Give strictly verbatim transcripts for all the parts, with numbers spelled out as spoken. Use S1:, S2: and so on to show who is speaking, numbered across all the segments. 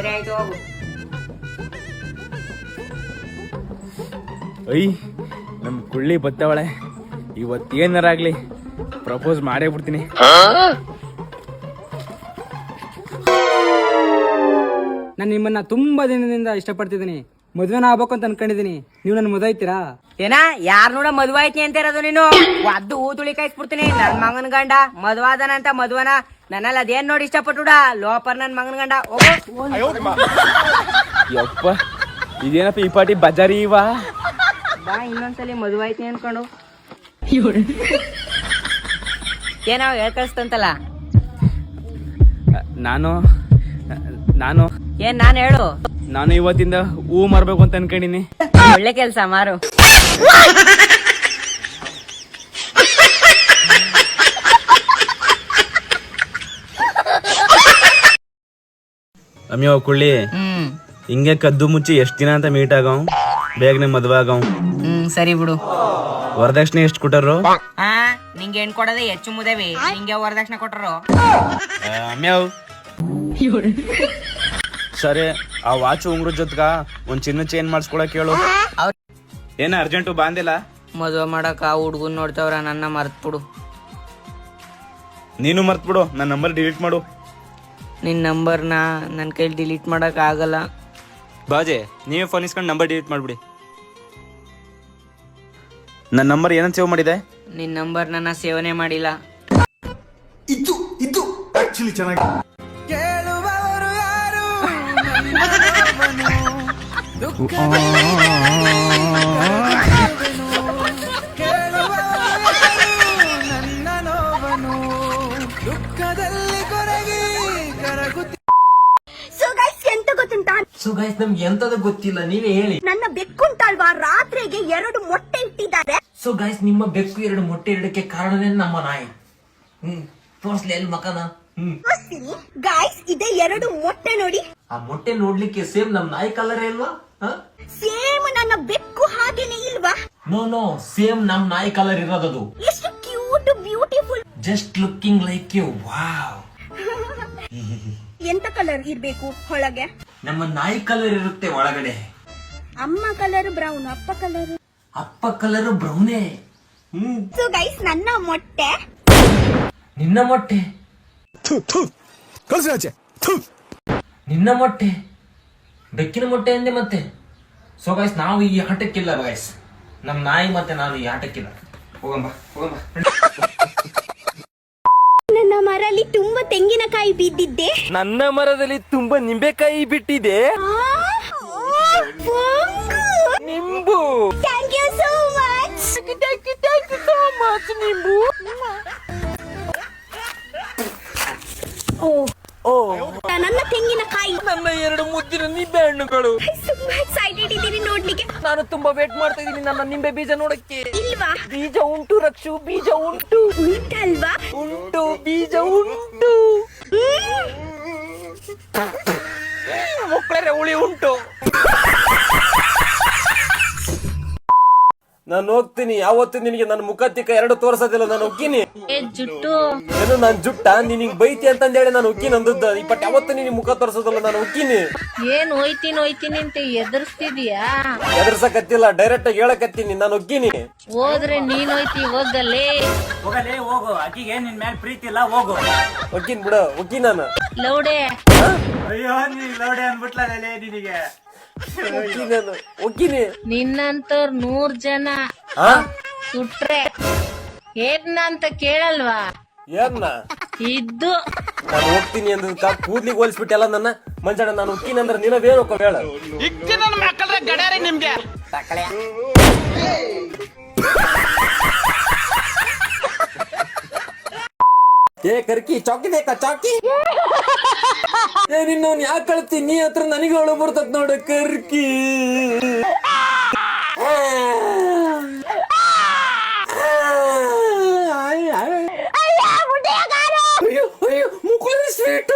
S1: ಸರಿ ಆಯ್ತು ಹೋಗು.
S2: ಅಯ್ಯ ನಮ್ ಕುಳ್ಳಿ ಬತ್ತವಳೆ, ಇವತ್ತೇನಾರಾಗ್ಲಿ ಪ್ರಪೋಸ್ ಮಾಡೇ ಬಿಡ್ತೀನಿ.
S3: ನಾನು ನಿಮ್ಮನ್ನ ತುಂಬಾ ದಿನದಿಂದ ಇಷ್ಟಪಡ್ತಿದ್ದೀನಿ, ಮದ್ವೆನ ಆಗ್ಬೇಕು ಅಂತ ಅನ್ಕೊಂಡಿದೀನಿ. ನೀವು ನನ್ನ ಮದುವೆ ಆಯ್ತೀರಾ?
S1: ಏನ ಯಾರ್ ನೋಡ ಮದ್ವೆ ಆಯ್ತಿ ಅಂತ ಇರೋದು ನೀನು? ಒದ್ದು ಹೂ ತುಳಿ ಕಾಯಿಸ್ಬಿಡ್ತೀನಿ. ನನ್ ಮಗನ್ ಗಂಡ ಮದ್ವಾದನ ಅಂತ ಮದ್ವನ ನನ್ನಲ್ಲಿ ಅದೇನ್ ನೋಡಿ ಇಷ್ಟಪಟ್ಟುಡ ಲೋಪರ್ ನನ್ ಮಗನ್ ಗಂಡ.
S2: ಯಪ್ಪ ಇದೇನಪ್ಪ ಈ ಪಾಟಿ ಬಜಾರಿ ಇವಾ?
S1: ಬಾ ಇನ್ನೊಂದ್ಸಲಿ ಮದ್ವೆ ಆಯ್ತಿ ಅನ್ಕೊಂಡು ಏನೋ ಹೇಳ್ ಕಳಿಸ್ತಂತಲ್ಲ.
S2: ನಾನು ನಾನು
S1: ಏನ್ ನಾನ್ ಹೇಳು?
S2: ನಾನು ಇವತ್ತಿಂದ ಹೂ ಮಾರ್ಬೇಕು ಅಂತ ಅನ್ಕೊಂಡಿನಿ.
S1: ಒಳ್ಳೆ ಕೆಲ್ಸ ಮಾರು.
S2: ಅಮ್ಯೋ ಕುಳ್ಳಿ,
S1: ಹ್ಮ್
S2: ಹಿಂಗೆ ಕದ್ದು ಮುಚ್ಚಿ ಎಷ್ಟ್ ದಿನ ಅಂತ ಮೀಟ್ ಆಗವ್, ಬೇಗನೆ ಮದ್ವೆ ಆಗವ್.
S1: ಹ್ಮ್ ಸರಿ ಬಿಡು.
S2: ವರದಕ್ಷಿಣೆ ಎಷ್ಟ್ ಕೊಟ್ಟರು?
S1: ಹಾ ನಿಂಗೆ ಏನ್ ಕೊಡೋದೇ ಹೆಚ್ಚು ಮುದೇವಿ, ನಿಂಗೆ ವರದಕ್ಷಿಣೆ ಕೊಟ್ಟರು.
S2: ಅಮ್ಯಾವ್ ಸರಿ, ಆ ವಾಚ್ ಉಂಗ್ರ ಜೊತೆಗ ಒಂದ್ ಚಿನ್ನ ಚೇಂಜ್ ಮಾಡಿಸ್ಕೊಳಕ್ ಹೇಳು. ಏನ ಅರ್ಜೆಂಟು ಬಾಂದಿಲ್ಲ?
S1: ಮದ್ವೆ ಮಾಡಕ ಹುಡ್ಗನ್ ನೋಡ್ತವ್ರ, ನನ್ನ ಮರ್ತ್ ಬಿಡು.
S2: ನೀನು ಮರ್ತ್ ಬಿಡು, ನನ್ನ ನಂಬರ್ ಡಿಲೀಟ್ ಮಾಡು.
S1: ನಿನ್ ನಂಬರ್ನ ನನ್ನ ಕೈಲಿ ಡಿಲೀಟ್ ಮಾಡಕ್ ಆಗಲ್ಲ.
S2: ಬಾಜೆ ನೀವೇ ಫೋನ್ ಇಸ್ಕೊಂಡು ನಂಬರ್ ಡಿಲೀಟ್ ಮಾಡ್ಬಿಡಿ. ನನ್ನ ನಂಬರ್ ಏನಂತ ಸೇವ್ ಮಾಡಿದೆ?
S1: ನಿನ್ ನಂಬರ್ ನನ್ನ ಸೇವನೆ ಮಾಡಿಲ್ಲ.
S4: ಇದು ಇದು ಆಕ್ಚುಲಿ ಚೆನ್ನಾಗಿ ಕೇಳುವವರು ಯಾರು ನನ್ನ ನೋವನು ದುಃಖದಲ್ಲಿ ಕೊರಗಿ ಕರಗುತ್ತಿ.
S5: ಸೊ ಗೈಸ್ ಎಂತ ಗೊತ್ತುಂಟಾ?
S6: ಸೊ ಗೈಸ್ ನಮ್ಗೆ ಎಂತದ ಗೊತ್ತಿಲ್ಲ, ನೀವೇ ಹೇಳಿ.
S5: ನನ್ನ ಬೆಕ್ಕುಂಟಲ್ವಾ ರಾತ್ರಿಗೆ ಎರಡು ಮೊಟ್ಟೆ ಇಟ್ಟಿದ್ದಾರೆ.
S6: ಸೊ ಗೈಸ್ ನಿಮ್ಮ ಬೆಕ್ಕು ಎರಡು ಮೊಟ್ಟೆ ಇಡಕ್ಕೆ ಕಾರಣನೇ ನಮ್ಮ ನಾಯಿ. ಹ್ಮ್ ತೋರ್ಸ್ಲಿ ಎಲ್ಲಿ ಮಕನ. ಹ್ಮ್
S5: ಗೈಸ್ ಇದೆ ಎರಡು ಮೊಟ್ಟೆ ನೋಡಿ.
S6: ಆ ಮೊಟ್ಟೆ ನೋಡ್ಲಿಕ್ಕೆ ಸೇಮ್ ನಮ್ ನಾಯಿ ಕಲರ್ ಇಲ್ವಾ?
S5: ಸೇಮ್ ನನ್ನ ಬೆಕ್ಕು ಹಾಗೇನೆ ಇಲ್ವಾ?
S6: ನೋ ನೋ ಸೇಮ್ ನಮ್ ನಾಯಿ ಕಲರ್ ಇರೋದದು.
S5: ಎಷ್ಟು cute beautiful,
S6: just looking like you. Wow.
S5: ಎಂತ ಕಲರ್ ಇರ್ಬೇಕು ಒಳಗೆ?
S6: ನಮ್ಮ ನಾಯಿ ಕಲರ್ ಇರುತ್ತೆ ಒಳಗಡೆ.
S5: ಅಮ್ಮ ಕಲರ್ ಬ್ರೌನ್, ಅಪ್ಪ ಕಲರ್
S6: ಅಪ್ಪ ಕಲರ್ ಬ್ರೌನೇ. ಹ್ಮ್
S5: ಸೊ ಗೈಸ್ ನನ್ನ ಮೊಟ್ಟೆ,
S6: ನಿನ್ನ ಮೊಟ್ಟೆ, ನಿನ್ನ ಮೊಟ್ಟೆ, ಬೆಕ್ಕಿನ ಮೊಟ್ಟೆ ಅಂದೆ ಮತ್ತೆ. ಸೊ ಗೈಸ್ ನಾವು ಈ ಆಟಕ್ಕಿಲ್ಲ ಗೈಸ್, ನಮ್ ನಾಯಿ ಮತ್ತೆ ನಾನು ಈ ಆಟಕ್ಕಿಲ್ಲ. ಹೋಗಂಬ ಹೋಗಂಬ.
S5: ನನ್ನ ಮರಲ್ಲಿ ತುಂಬಾ ತೆಂಗಿನಕಾಯಿ ಬಿದ್ದಿದ್ದೆ.
S2: ನನ್ನ ಮರದಲ್ಲಿ ತುಂಬಾ ನಿಂಬೆಕಾಯಿ ಬಿಟ್ಟಿದೆ. ನಿಂಬು.
S5: Thank you so much.
S2: Thank you thank you so much ನಿಂಬು.
S5: ಓ
S2: ಓ
S5: ನನ್ನ ತೆಂಗಿನಕಾಯಿ,
S2: ನನ್ನ ಎರಡು ಮುದ್ದಿನ ನಿಂಬೆ ಹಣ್ಣುಗಳು.
S5: ತುಂಬಾ ಎಕ್ಸೈಟೆಡ್ ಇದ್ದೀನಿ ನೋಡ್ಲಿಕ್ಕೆ.
S2: ನಾನು ತುಂಬಾ ವೇಟ್ ಮಾಡ್ತಾ ಇದ್ದೀನಿ ನನ್ನ ನಿಂಬೆ ಬೀಜ ನೋಡಕ್ಕೆ.
S5: ಇಲ್ವಾ?
S2: ಬೀಜ ಉಂಟು ರಕ್ಷು, ಬೀಜ ಉಂಟು.
S5: ಉಂಟಲ್ವಾ?
S2: ಉಂಟು ಬೀಜ ಉಂಟು. ಮಕ್ಕಳೇ ಹುಳಿ ಉಂಟು.
S7: ನಾನು ಹೋಗ್ತೀನಿ. ಯಾವತ್ತು ನಿನಗೆ ನನ್ನ ಮುಖತ್ತಿಕ್ಕ ಎರಡು ತೋರ್ಸೋದಿಲ್ಲ. ನಾನು ಹೋಗ್ತೀನಿ.
S1: ಜುಟ್ಟು
S7: ಏನು ನಾನ್ ಜುಟ್ಟ ನಿನಗೆ ಬೈತಿ ಅಂತಂದೇಳಿ ನಾನು ಹೋಗ್ತೀನಿ ಅಂದದ್ದು. ಈ ಪಟ್ ಯಾವತ್ತು ನಿನಗೆ ಮುಖ ತೋರ್ಸೋದಿಲ್ಲ. ನಾನು ಹೋಗ್ತೀನಿ.
S1: ಏನ್ ಹೋಯ್ತೀನಿ ಹೋಯ್ತೀನಿ ಅಂತ ಎದುರಿಸ್ತಿದ್ಯಾ?
S7: ಎದುರ್ಸಕತ್ತಿಲ್ಲ, ಡೈರೆಕ್ಟ್ ಆಗಿ ಹೇಳಕತ್ತೀನಿ. ನಾನು ಹೋಗ್ತೀನಿ.
S1: ಹೋದ್ರೆ ನೀನ್ ಹೋಯ್ತಿ, ಹೋಗಲ್ಲೇ
S8: ಹೋಗಲೇ ಹೋಗು. ಆಕಿಗೆ ನಿನ್ ಮೇಲೆ ಪ್ರೀತಿ ಇಲ್ಲ, ಹೋಗು.
S7: ಹೋಗ್ತೀನಿ ಬಿಡ, ಹೋಗ್ತೀನಿ ನಾನು.
S1: ಲೌಡೆ.
S8: ಅಯ್ಯೋ ನೀ ಲೋಡೆ ಅನ್ಬಿಟ್ಲೇ ನಿನಗೆ.
S7: ಹೋಗ್ತೀನಿ ನಾನು, ಹೋಗ್ತೀನಿ.
S1: ನಿನ್ನಂತವ್ರ ನೂರ್ ಜನ ಸುಟ್ರೆ ಏನ್ನಂತ ಕೇಳಲ್ವಾ?
S7: ಏನ್ನ
S1: ಇದ್ದು
S7: ನಾನು ಹೋಗ್ತೀನಿ ಅಂದಕ್ಕ ಕೂದ್ಲಿಗೆ ಹೋಲಿಸ್ಬಿಟ್ಟೆಲ್ಲ ನನ್ನ ಮಂಜಣ್ಣ. ನಾನು ಹೋಗ್ತೀನಿ ಅಂದ್ರೆ ನೀನವೇನು ಹೋಗೋ ಹೇಳ.
S8: ನಿಮ್ಗೆ
S7: ಏ ಕರ್ಕಿ, ಚಾಕಿ ಬೇಕಾ? ಚಾಕಿ ಏ ನಿನ್ನ ಯಾಕೆ ಕಳ್ತಿ? ನೀ ಹತ್ರ ನನಗೆ ಒಳ ಬರ್ತದ ನೋಡ ಕರ್ಕಿ. ಅಯ್ಯೋ ಅಯ್ಯೋ ಮುಕುಳಿ ಸ್ವೀಟು.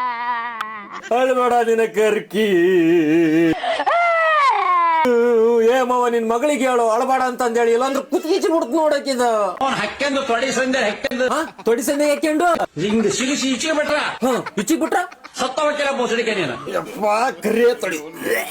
S7: ಅಳ್ಬೇಡ ನಿನ್ನ ಕರ್ಕಿ. ಏ ಮಾವ ನಿನ್ ಮಗಳಿಗೆ ಹೇಳು ಅಳಬೇಡ ಅಂತ ಅಂದೇಳಿ ಇಲ್ಲಾಂದ್ರೆ ಕುತ್ಕೀಚಿ ಬಿಡ್ತು ನೋಡಕ್ಕಿದ
S6: ಹಕ್ಕೆಂದು ತೊಡಿ ಸಂದೆ ಹಕ್ಕೆಂದು
S7: ತೊಡಿ ಸಂದೆ ಹಾಕ್ಯಂಡು
S6: ಹಿಂಗ್ ಸಿಗಿಸಿ ಈಚೆ ಬಿಟ್ರ
S7: ಹ ಇಚ್ಚಿಗ್ ಬಿಟ್ರ
S6: ಸತ್ತವಕ್ಕೆಲ್ಲ ಬೋಸಡಿಕೆ ನೀನು
S7: ಯಪ್ಪಾ ಕರೆ ತೊಡಿ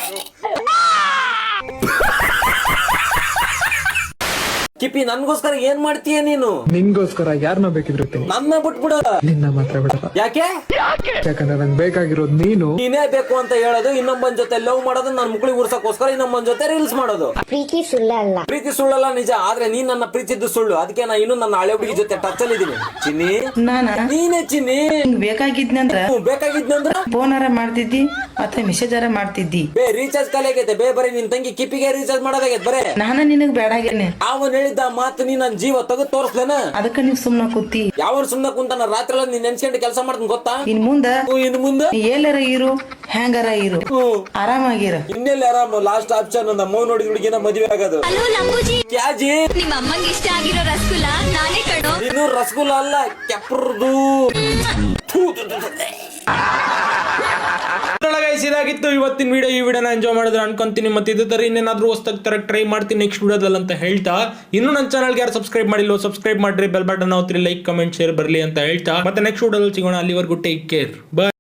S7: ಕಿಪಿ ನನ್ಗೋಸ್ಕರ ಏನ್ ಮಾಡ್ತೀಯ ನೀನು?
S9: ನಿನ್ಗೋಸ್ಕರ ಯಾರನ್ನ ಬೇಕಿದ್ರುತ್ತೆ
S7: ನನ್ನ ಬಿಟ್ಬಿಡ.
S9: ನಿನ್ನ ಮಾತ್ರ ಬಿಡಲ್ಲ.
S7: ಯಾಕೆ?
S9: ಯಾಕಂದ್ರೆ ನಂಗೆ ಬೇಕಾಗಿರೋದು ನೀನು.
S7: ನೀನೇ ಬೇಕು ಅಂತ ಹೇಳೋದು, ಇನ್ನೊಬ್ಬನ ಜೊತೆ ಲವ್ ಮಾಡೋದು, ನನ್ನ ಮುಕ್ಳಿಗೆ ಉರ್ಸಕ್ಕೋಸ್ಕರ ಇನ್ನೊಬ್ಬನ ಜೊತೆ ರೀಲ್ಸ್ ಮಾಡೋದು.
S5: ಪ್ರೀತಿ ಸುಳ್ಳಲ್ಲ.
S7: ಪ್ರೀತಿ ಸುಳ್ಳಲ್ಲ ನಿಜ, ಆದ್ರೆ ನೀನ್ ನನ್ನ ಪ್ರೀತಿದ್ದು ಸುಳ್ಳು. ಅದಕ್ಕೆ ನಾ ಇನ್ನು ನನ್ನ ಹಳೆ ಹುಡುಗಿ ಜೊತೆ ಟಚ್ ಅಲ್ಲಿ ಇದೀನಿ. ಚಿನ್ನಿ ನೀನೇ ಚಿನ್ನಿ.
S10: ಬೇಕಾಗಿದ್ನಂದ್ರ
S7: ಬೇಕಾಗಿದ್ನಂದ್ರ
S10: ಫೋನಾರ ಮಾಡ್ತಿದ್ದಿ ಮತ್ತೆ ಮೆಸೇಜಾರ ಮಾಡ್ತಿದ್ದಿ.
S7: ಬೇ ರೀಚಾರ್ಜ್ ಖಾಲಿ ಆಗೈತೆ ಬೇ, ಬರೀ ನಿನ್ ತಂಗಿ ಕಿಪಿಗೆ ರೀಚಾರ್ಜ್ ಮಾಡೋದಾಗೈತೆ ಬರೇ.
S10: ನಾನು ನಿನಗ್ ಬೇಡಾಗೇನೆ.
S7: ಅವನ್ ಹೇಳಿದ್ದ ಮಾತು ನೀ ನನ್ ಜೀವ ತೆಗೆದು ತೋರಿಸ್ಲೇನ?
S10: ಅದಕ್ಕ ನೀವ್ ಸುಮ್ನ ಕೂತಿ.
S7: ಯಾವ ಸುಮ್ನ ಕುಂತಾನ ರಾತ್ರಿ ಎಲ್ಲ ನೀನ್ ನೆನ್ಸ್ಕೊಂಡು ಕೆಲಸ ಮಾಡ್ತೀನಿ ಗೊತ್ತಾ?
S10: ಇನ್ ಮುಂದ
S7: ಇನ್ ಮುಂದೆ
S10: ನೀ ಎಲ್ಲಾರ ಇರು, ಹ್ಯಾಂಗಾರ ಇರು, ಆರಾಮಾಗಿರ.
S7: ಇನ್ನೆಲ್ಲ ಆರಾಮ. ಲಾಸ್ಟ್ ಆಪ್ಷನ್ ನಮ್ಮ ನೋಡಿ ಹುಡುಗಿನ ಮದುವೆ ಆಗೋದು. ಕ್ಯಾಜಿ
S5: ನಿಮ್ಮ ಅಮ್ಮಂಗೆ ಇಷ್ಟ ಆಗಿರೋ ರಸಗುಲ್ಲ ನಾನೇ ಕಣೋ.
S7: ಇನ್ನು ರಸಗುಲ್ಲ ಅಲ್ಲ, ಕೆಪ್ರದು.
S6: ಇದಾಗಿತ್ತು ಇವತ್ತಿನ ವಿಡಿಯೋ. ಈ ವಿಡಿಯೋನ ಎಂಜಾಯ್ ಮಾಡಿದ್ರೆ ಅನ್ಕೊಂತೀನಿ. ಮತ್ತೆ ಇದೇ ತರ ಇನ್ನೇನಾದ್ರೂ ಹೊಸದಾಗಿ ತರ ಟ್ರೈ ಮಾಡ್ತೀನಿ ನೆಕ್ಸ್ಟ್ ವಿಡಿಯೋದಲ್ಲಿ ಅಂತ ಹೇಳ್ತಾ, ಇನ್ನು ನನ್ನ ಚಾನಲ್ಗೆ ಯಾರು ಸಬ್ಸ್ಕ್ರೈಬ್ ಮಾಡಿಲ್ಲ ಸಬ್ಸ್ಕ್ರೈಬ್ ಮಾಡ್ರಿ, ಬೆಲ್ ಬಟನ್ ಒತ್ತಿರಿ, ಲೈಕ್ ಕಮೆಂಟ್ ಶೇರ್ ಬರಲಿ ಅಂತ ಹೇಳ್ತಾ, ಮತ್ತೆ ನೆಕ್ಸ್ಟ್ ವಿಡಿಯೋದಲ್ಲಿ ಸಿಗೋಣ. ಅಲ್ಲಿವರೆಗೂ ಟೇಕ್ ಕೇರ್, ಬಾಯ್.